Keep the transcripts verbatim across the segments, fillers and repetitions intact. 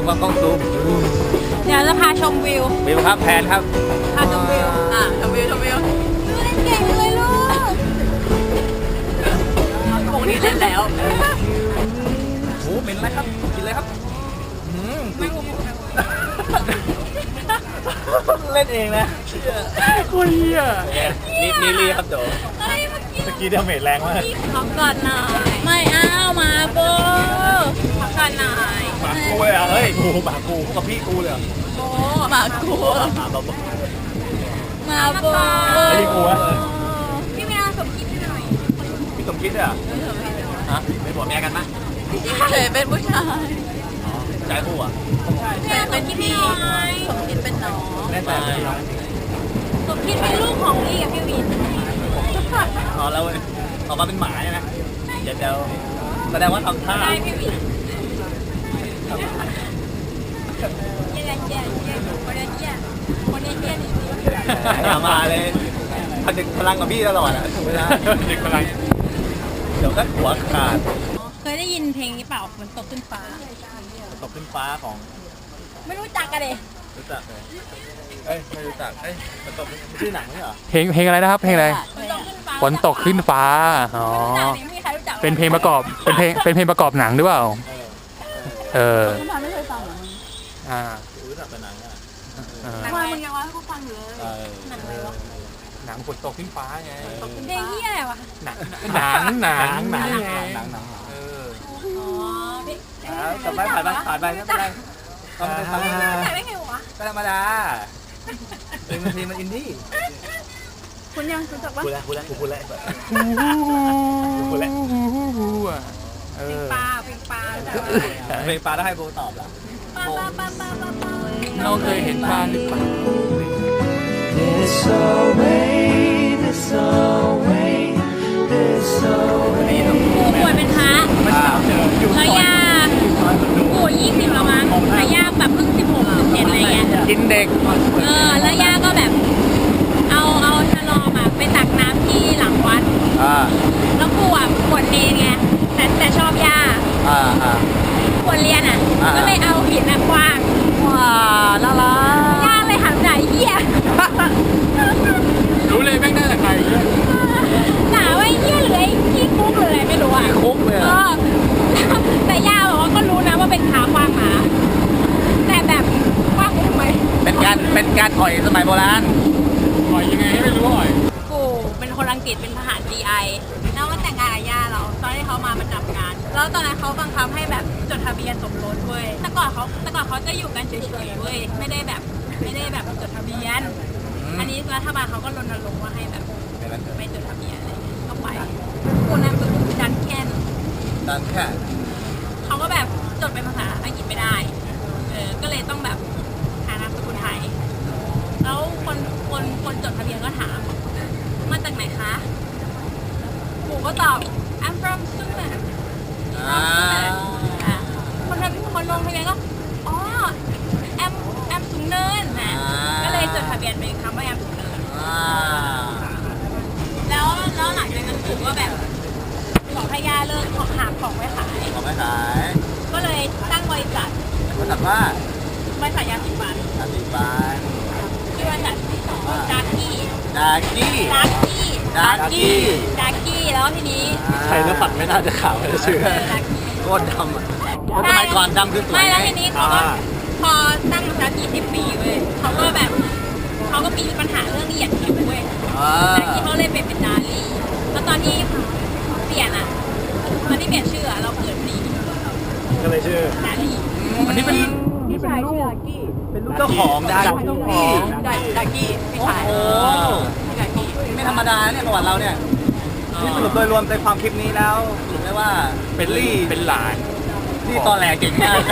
มากล้องซูมเดี๋ยวจะพาชมวิววิวครับแพนครับพาชมวิวอ่ะชมวิวชมวิวเล่นเก่งเลยลูกวงนี้เล่นแล้วโอ้เป็นไรครับกินเลยครับเล่นเองนะโคตรเหี้ยนี่นี่รีครับโจสกีเดาเมจแรงมากพักก่อนหน่อยไม่อ้าวมาโบพักก่อนหน่อยหมากูเลยอ่ะเฮ้ยกูหมากูกับพี่กูเลยโบหมากูหมาโบมาโบพี่กูวะพี่เมียสมคิดหน่อยพี่สมคิดอ่ะฮะเป็นผัวเมียกันปะเฉยเป็นผู้ชายใจคู่อ่ะใช่เป็นพี่สมคิดเป็นน้องแน่ใจเป็นน้องสมคิดเป็นลูกของลี่กับพี่วินอ๋อแล้วออกมาเป็นหมาใช่ไหมเดี๋ยวเดี๋ยวแสดงว่าทำท่าได้พี่วินเยี่ยเยี่ยเยี่ยคนเยี่ยคนเยี่ยเยี่ยนี่อย่ามาเลยผนึกพลังกับพี่ตลอดอ่ะไม่ได้ผนึกพลังเดี๋ยวก็หัวขาดเคยได้ยินเพลงนี้เปล่าฝนตกขึ้นฟ้าตกขึ้นฟ้าของไม่รู้จักกันเลยรู้จักเลยเอ้ยไม่รู้จักเอ้ยมันตกชื่อหนังนี่เหรอเพลงเพลงอะไรนะครับเพลงอะไรฝนตกขึ้นฟ้าอ๋อเป็นเพลงประกอบเป็นเพลงเป็นเพลงประกอบหนังหรือเปล่าเออไม่เคยฟังหรอมึงอ่ารู้จักเป็นหนังอ่ะทำไมมึงยังว่าให้กูฟังอยู่เลยหนังอะไรวะหนังฝนตกขึ้นฟ้าไงเพลงที่อะไรวะหนังหนังหนังหนังหนังหนังหนังเอออ๋อพี่แต่ไม่ผ่านไปผ่านไปไม่เป็นไรก็ไม่ทำแต่ไม่ไงวะก็ธรรมดาเป็นเพลงมันอินดี้คุณยังรู้จักปะคุณแล้วคุณแล้วคุณแล้วคุณแล้วเพลงปลาเพลงปลาเพลงปลาได้ให้โบตอบแล้วปลาปลาปลาปลาปลาปลาเราเคยเห็นปลาหรือเปล่ากูป่วยเป็นพระแล้วยากูยี่สิบแล้วมั้งแล้วยาแบบเพิ่งสิบหกสิบเจ็ดอะไรเงี้ยกินเด็กเออแล้วยาก็แบบเอาเอาชะลอมาไปตักน้ำที่หลังวัดแล้วกูอ่ะปวดเนรไงแต่แต่ชอบยาปวดเรียนอ่ะก็เลยเอาหินอ่ะคว้างว้าน่ารักยาเลยหันใจเหี้ยรู้เลยแม่งได้แต่ใครหนาว่าเหี้ยหรือไอ้ขี้คุกหรืออะไรไม่รู้อ่ะคุกเลยแต่ย่าบอกว่าก็รู้นะว่าเป็นขาควางหมาแต่แบบควางทำไมเป็นการเป็นการอ่อยสมัยโบราณอ่อยยังไงไม่รู้อ่อยกูเป็นคนอังกฤษเป็นทหาร จี ไอ แล้วมาแต่งงานกับย่าเราตอนที่เขามาประจำการแล้วตอนนั้นเขาบังคับให้แบบจดทะเบียนสมรสเว้ยแต่ก่อนเขาแต่ก่อนเขาจะอยู่กันเฉยๆเว้ยไม่ได้แบบไม่ได้แบบจดทะเบียนอันนี้รัฐบาลเขาก็รณรงค์ว่าให้แบบไม่จดทะเบียนอะไรก็ไปกูนั่นคือดันแคนดันแค่เขาก็แบบจดเป็นภาษาอังกฤษไม่ได้เออก็เลยต้องแบบหานามสกุลไทยแล้วคนคนคนจดทะเบียนก็ถามมาจากไหนคะกูก็ตอบ I'm from Sudan อ่าคนทำคนลงทะเบียนก็อ๋อ I'm I'm สูงเนินนะก็เลยจดทะเบียนเป็นคำว่า I'm สูงเนินแล้วแล้วหลังจากนั้นกูก็แบบบอกให้ย่าเลิกหาของไว้ขายของไว้ขายก็เลยตั้งบริษัทบริษัทว่าบริษัทยาสีฟันยาสีฟันชื่อบริษัทดาร์กี้ดาร์กี้ดาร์กี้ดาร์กี้ดาร์กี้แล้วทีนี้ใครแล้วปัดไม่น่าจะขาวเลยชื่อโคตรดำอ่ะเพราะสมัยก่อนดำคือสวยไม่แล้วทีนี้เขาก็พอตั้งดาร์กี้สิบปีเว้ยเขาก็แบบเขาก็มีปัญหาเรื่องเหยียดผิวเว้ยดาร์กี้เขาเลยเปลี่ยนเป็นดาร์ลี่แล้วตอนที่เปลี่ยนอ่ะตอนที่เปลี่ยนชื่อเราเกิดปีก็เลยชื่อดาร์ลี่อันนี้เป็นพี่ชายชื่อดาร์กี้เป็นลูกเจ้าของดาร์กี้ดาร์กี้พี่ชายโอ้ดาร์กี้ไม่ธรรมดาเนี่ยประวัติเราเนี่ยนี่สรุปโดยรวมในความคลิปนี้แล้วสรุปได้ว่าเป็นลี่เป็นหลานที่ตอแหลเก่งมาก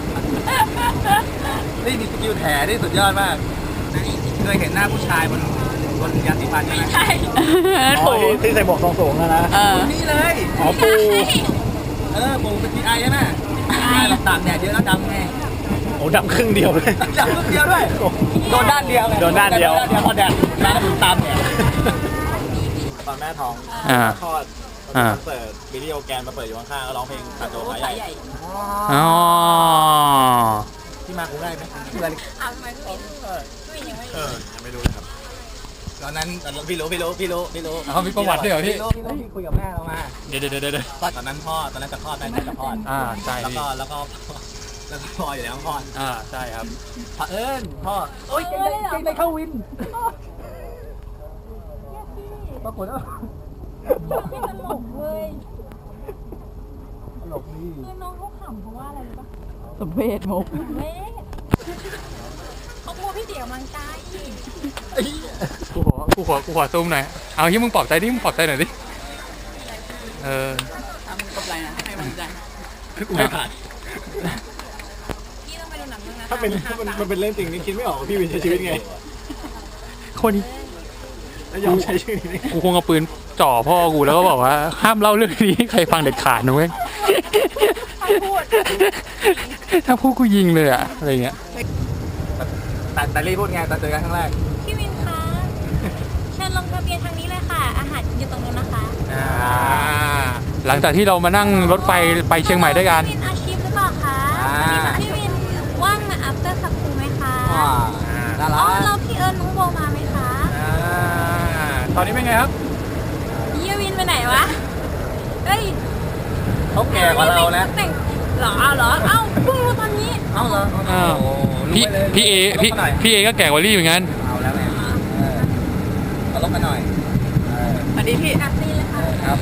นี่มีสกิลแถที่สุดยอดมากเคยเห็นหน้าผู้ชายบนบนยาสีฟันใช่ไหมใช่ที่ใส่หมวกทรงสูงนะนะนี่เลยอ๋อปูเออปูเป็นพีไอใช่ไหมเราตากแดดเยอะแล้วดำไงโอ้ดำครึ่งเดียวเลยดำครึ่งเดียวด้วยโดนด้านเดียวโดนด้านเดียวพอแดดน้ำตามเนี่ยตอนแม่ท้องคลอดเปิดวิดีโอแกนมาเปิดอยู่ข้างๆก็ร้องเพลงขาโจขาใหญ่อ๋อที่มากูได้ไหมเพื่อนอ้าวทำไมพี่วินพี่วินยังไม่เอรู้อยังไม่รู้เลยครับตอนนั้นตอนนั้นพี่รู้พี่รู้พี่รู้พี่รู้เขามีประวัติด้วยเหรอพี่พี่รู้พี่รู้พี่คุยกับแม่เรามาเดี๋ยวเดี๋ยวเดี๋ยวเดี๋ยวตอนนั้นพ่อตอนนั้นจะคลอดได้จะคลอดอ่าใช่แล้วพี่ก็แล้วก็แล้วก็พ่ออยู่ในห้องคลอดอ่าใช่ครับเผอิญพ่อโอ๊ยเก่งได้เก่งได้เข้าวินปรากฏว่าพี่ตลกเว้ยตลกนี่คือน้องเขาขำเพราะว่าอะไรรู้ปะสมเพศมุกเว้ยเขากลัวพี่เดี่ยวมังกายกูขอกูขอกูขอซูมหน่อยเอาที่มึงปลอบใจดิมึงปลอบใจหน่อยดิเออทำกับอะไรนะให้มันใจกูไม่ผ่านพี่ต้องไปดูหนังเรื่องนั้นถ้าเป็นถ้ามันมันเป็นเรื่องจริงนี่คิดไม่ออกว่าพี่วินใช้ชีวิตไงคนแล้วยอมใช้ชื่อนี้ได้ไงกูคงเอาปืนจ่อพ่อกูแล้วก็บอกว่าห้ามเล่าเรื่องนี้ให้ใครฟังเด็ดขาดนะเว้ยพูดถ้าพูดกูยิงเลยอะอะไรเงี้ยแต่แต่รีพูดไงตอนเจอกันครั้งแรกพี่วินคะเชิญลงทะเบียนทางนี้เลยค่ะ อาหารอยู่ตรงนู้นนะคะอ่าหลังจากที่เรามานั่งรถไฟไปเชียงใหม่ด้วยกันพี่วินอาชีพหรือเปล่าคะพี่วินว่างมา after สักครู่ไหมคะอ่าน่าอ๋รัอก แล้วพี่เอิญน้องโบมาไหมคะอ่าตอนนี้เป็นไงครับเยี่ยวินไปไหนวะเอ้ยเขาแก่กว่าเรานะแต่งเหรอเอาเหรอ เอ้าเพิ่งรู้ตอนนี้เอ้าเหรออ้าวโอ้พี่รู้ไปเลยพี่เอพี่ลบมาหน่อยพี่เอก็แก่กว่าลี่เหมือนกันเอาแล้วไงเออเอาลบมาหน่อยเอออันนี้พี่อ่ะซีเลยค่ะครับ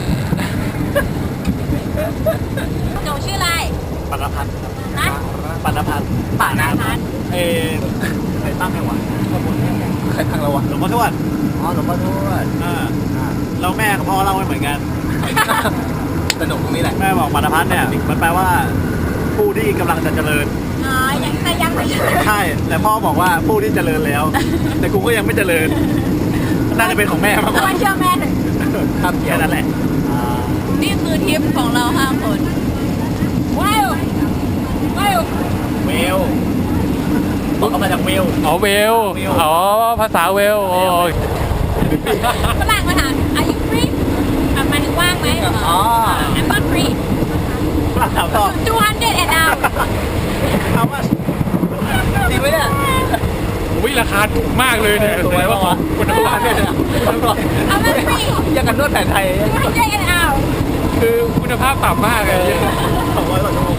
หนูชื่ออะไรปานพัฒน์นะปานพัฒน์ป่านาพัฒน์เอใครตั้งให้วะใครทางเราวะหลวงพ่อทวดอ๋อหลวงพ่อทวดอ่าเราแม่กับพ่อเล่าไม่เหมือนกันสนุกตรงนี้แหละแม่บอกปานพัฒน์เนี่ยมันแปลว่า ผู้ที่กำลังจะเจริญอ๋อยังแต่ยังไม่ใช่ใช่แต่พ่อบอกว่าผู้ที่เจริญแล้ว แต่กูก็ยังไม่เจริญน่าจะเป็นของแม่มากกทำว่าไมเชื่อแม่หนึ่งครับเกี่ยแค่วนั้นแหละอ่านี่คือทริปของเราห้าคนว้าวว้าวเวลบอกเขามาจากเวลอ๋อเวล อ๋อภาษาเวลโอ้ยฝรั่งมาถาม are you free อ่ะหมายถึงว่างไหมอ๋อ I'm not free ฝรั่งถามต่อ two hundred and hour เอาว่าจริงไหมเนี่ยวิราคาถูกมากเลยเนี่ยถูกไหมวะคุณภาพเนี่ย I'm not free ยังกันนวดแผนไทย two hundred and hour คือคุณภาพต่ำมากเลยสองร้อยกว่าชั่วโมง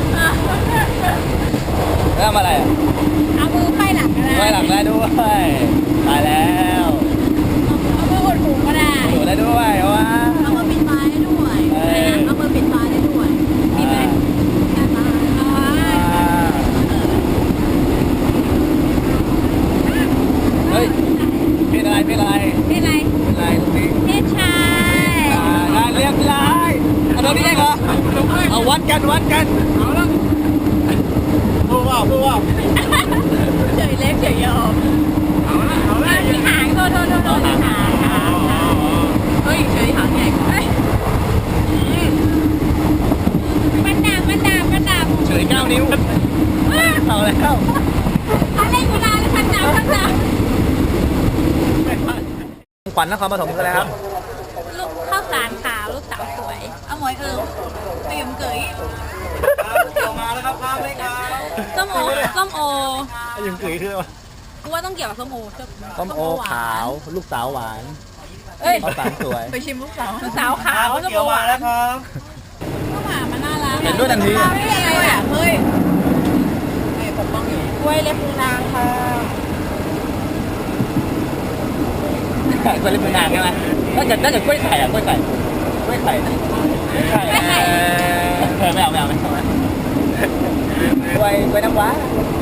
แล้วทำอะไรอ่ะเอามือไขว้หลังก็ได้ไว้หลังได้ด้วยตายแล้วเอามืออุดหูก็ได้อยู่ได้ด้วยวะเอามือปิดฟ้าได้ด้วยเออเอามือปิดฟ้าได้ด้วยมีไหมอ๋อเฮ้ยเพศอะไรเพศอะไรเป็นไรเพศอะไรตรงนี้เพศชายอ่าได้เรียบร้อยเอาตรงนี้เองเหรอเอาวัดกันวัดกันเอาแล้วพูดว่าพูดว่าเฉยเล็กเฉยยอมมีหางโทษโทษโทษโทษมีหางหางหางเฮ้ยเฉยหางใหญ่เฮ้ยมันดาบมันดาบมันดาบเฉยเก้านิ้วเอาแล้วอะไรกูลาเลยมันดาบมันดาบขวัญนครปฐมกันเลยครับลูกข้าวสารขาวลูกสาวสวยเอาหมวยเอิมเตียมเกยมาแล้วครับข้ามเลยครับส้มโอส้มโอไอ้ยังกึ๋ยคือว่ากูว่าต้องเกี่ยวกับส้มโอส้มโอขาวลูกสาวหวานเอ้ยข้าวสารสวยไปชิมลูกสาวลูกสาวขาวส้มโอหวานครับข้าวหมามันน่ารักเห็นด้วยทันทีไม่ยังไงอ่ะเฮ้ยนี่ปกป้องอยู่กล้วยเล็บมือนางค่ะกล้วยเล็บมือนางใช่ไหมถ้าเกิดถ้าเกิดกล้วยไข่อะกล้วยไข่กล้วยไข่กล้วยไข่เออไม่เอาไม่เอาไม่เอากล้วยกล้วยน้ำว้า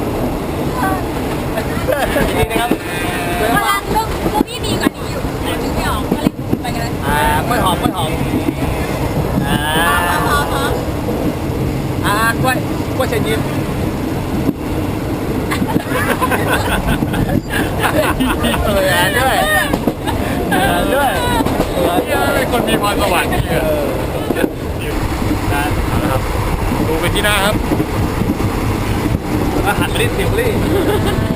ดีนะครับกล้วยพน้ำว้าลังเรื่องพวกพี่ดีกว่านี้อยู่นึกไม่ออกก็เลยไปกันเลยอ่ากล้วยหอมกล้วยหอมอ่าพอพอพออ่ากล้วยกล้วยเชิญยิ้มเอออ่านด้วยอ่านด้วยอ่านด้วยเป็นคนมีพรสวรรค์นี่เออได้เอาละครับดูไปที่หน้าครับแล้วก็หันมาที่สิวลี่